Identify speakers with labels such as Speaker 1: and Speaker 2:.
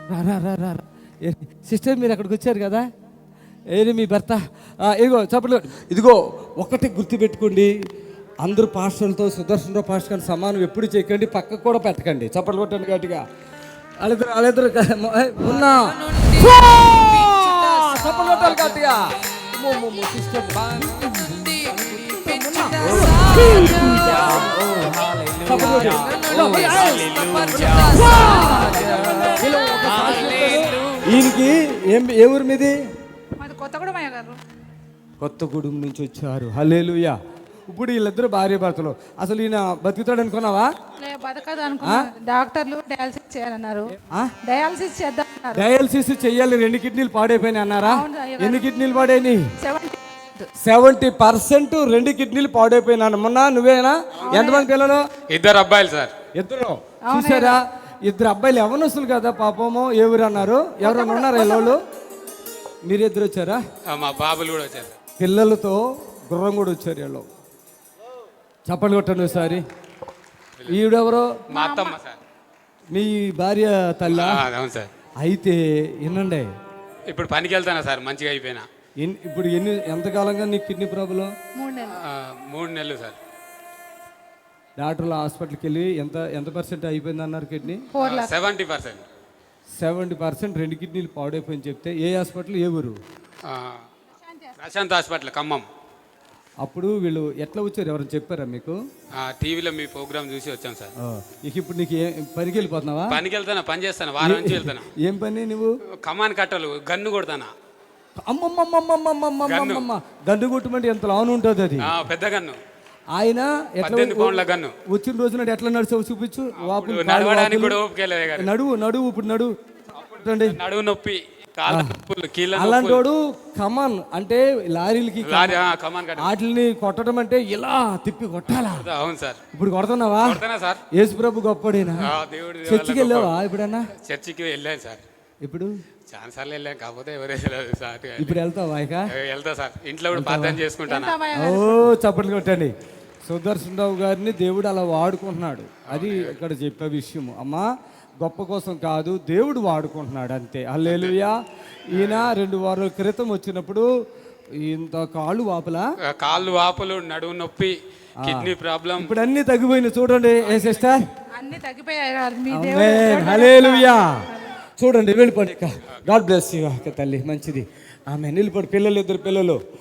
Speaker 1: రా. సిస్టర్ మీరు అక్కడికి వచ్చారు కదా, ఏది మీ భర్త? ఇదిగో చప్పట్లు. ఇదిగో ఒకటి గుర్తుపెట్టుకోండి, అందరూ పాస్టర్లతో సుదర్శనరావు పాస్టర్ గారిని సమానం ఎప్పుడు చేయకండి, పక్కకు కూడా పెట్టకండి. చప్పట్లు కొట్టండి గట్టిగా. వాళ్ళిద్దరు ఉన్నా చప్పట్లు కొట్టాలి గట్టిగా. సిస్టర్ ఈయనకి ఏ ఊరు మీది? కొత్తగూడెం నుంచి వచ్చారు. హల్లెలూయా. ఇప్పుడు వీళ్ళిద్దరు భార్య భర్తలు. అసలు ఈయన బతుకుతాడు అనుకున్నావా?
Speaker 2: బతకదు అనుకున్నా. డాక్టర్లు డయాలసిస్ చేయాలన్నారు. డయాలసిస్ చేద్దామన్నారు.
Speaker 1: డయాలసిస్ చెయ్యాలి, 2 కిడ్నీలు పాడైపోయినాయి అన్నారా? ఎన్ని కిడ్నీలు పాడైనాయి? 70% 2 కిడ్నీలు పాడైపోయినా. మొన్న నువ్వేనా? ఎంతమంది పిల్లలు?
Speaker 3: 2 అబ్బాయిలు సార్.
Speaker 1: ఇద్దరు. చూసారా, 2 అబ్బాయిలు ఎవనొస్తులు కదా పాపము. ఏ ఊరు అన్నారు? ఎవరైనా ఉన్నారా వాళ్ళు? మీరిద్దరు వచ్చారా?
Speaker 3: మా బాబులు కూడా వచ్చారు.
Speaker 1: పిల్లలతో గుర్రం కూడా వచ్చారు వీళ్ళు. చప్పట్లు కొట్టండి ఒకసారి. ఈవిడెవరో?
Speaker 3: మా అత్తమ్మ సార్.
Speaker 1: మీ భార్య తల్లి?
Speaker 3: అవును సార్.
Speaker 1: అయితే వినండి,
Speaker 3: ఇప్పుడు పనికి వెళ్తానా సార్, మంచిగా అయిపోయినా.
Speaker 1: ఇప్పుడు ఎంతకాలంగా నీకు కిడ్నీ ప్రాబ్లం?
Speaker 3: 3 నెలలు సార్.
Speaker 1: డాక్టర్ల హాస్పిటల్కి వెళ్ళి ఎంత పర్సెంట్ అయిపోయింది అన్నారు కిడ్నీ?
Speaker 3: 70%.
Speaker 1: 70% 2 కిడ్నీలు పాడైపోయింది చెప్తే ఏ హాస్పిటల్, ఏ ఊరు?
Speaker 3: ప్రశాంత్ హాస్పిటల్, ఖమ్మం.
Speaker 1: అప్పుడు వీళ్ళు ఎట్లా వచ్చారు? ఎవరైనా చెప్పారా మీకు?
Speaker 3: టీవీలో మీ ప్రోగ్రామ్ చూసి వచ్చాం సార్.
Speaker 1: ఇప్పుడు నీకు పనికి వెళ్ళిపోతున్నావా?
Speaker 3: పనికి వెళ్తానా, పని చేస్తాను, వారం నుంచి వెళ్తాను.
Speaker 1: ఏం పని నువ్వు?
Speaker 3: కమాన్ కట్టలు, గన్ను కొడతానా.
Speaker 1: అమ్మమ్మమ్మమ్మమ్మమ్మమ్మ, గన్ను కొట్టమంటే ఎంత లావును ఉంటుంది అది?
Speaker 3: పెద్ద గన్ను.
Speaker 1: ఆయన
Speaker 3: 18 పౌండ్ల గన్ను.
Speaker 1: వచ్చిన రోజున ఎట్లా నడిచావు చూపించు.
Speaker 3: నడవడానికి కూడా ఓపిక.
Speaker 1: నడువు ఇప్పుడు నడువు.
Speaker 3: నడువు నొప్పి,
Speaker 1: అలాంటి వాడు కమాన్ అంటే లారీలకి వాటిని కొట్టడం అంటే ఇలా తిప్పి కొట్టాలా?
Speaker 3: అవును సార్.
Speaker 1: ఇప్పుడు కొడుతున్నావా?
Speaker 3: సార్.
Speaker 1: యేసు ప్రభు గొప్పడేనా? చర్చికి వెళ్ళావా ఎప్పుడన్నా?
Speaker 3: చర్చికి వెళ్ళాను సార్.
Speaker 1: ఇప్పుడు
Speaker 3: చాలా సార్లు వెళ్ళాను, కాకపోతే సార్.
Speaker 1: ఇప్పుడు వెళ్తావా?
Speaker 3: వెళ్తా సార్. ఇంట్లో కూడా ప్రార్థన చేసుకుంటాను.
Speaker 1: ఓ చప్పట్లు కొట్టండి. సుదర్శనరావు గారిని దేవుడు అలా వాడుకుంటున్నాడు. అది ఇక్కడ చెప్పే విషయం. అమ్మా, గొప్ప కోసం కాదు, దేవుడు వాడుకుంటున్నాడు అంతే. హల్లెలూయా. ఈయన 2 వారాల క్రితం వచ్చినప్పుడు ఇంత కాళ్ళు
Speaker 3: వాపులు, నడువు నొప్పి, కిడ్నీ ప్రాబ్లం.
Speaker 1: ఇప్పుడు అన్ని తగ్గిపోయినాయి చూడండి. ఏ సిస్టర్,
Speaker 2: అన్ని తగ్గిపోయాయి.
Speaker 1: హల్లెలూయా. చూడండి, వెళ్ళిపోండి. గాడ్ బ్లెస్ యు తల్లి, మంచిది. ఆమె నిలబడి. 2 పిల్లలు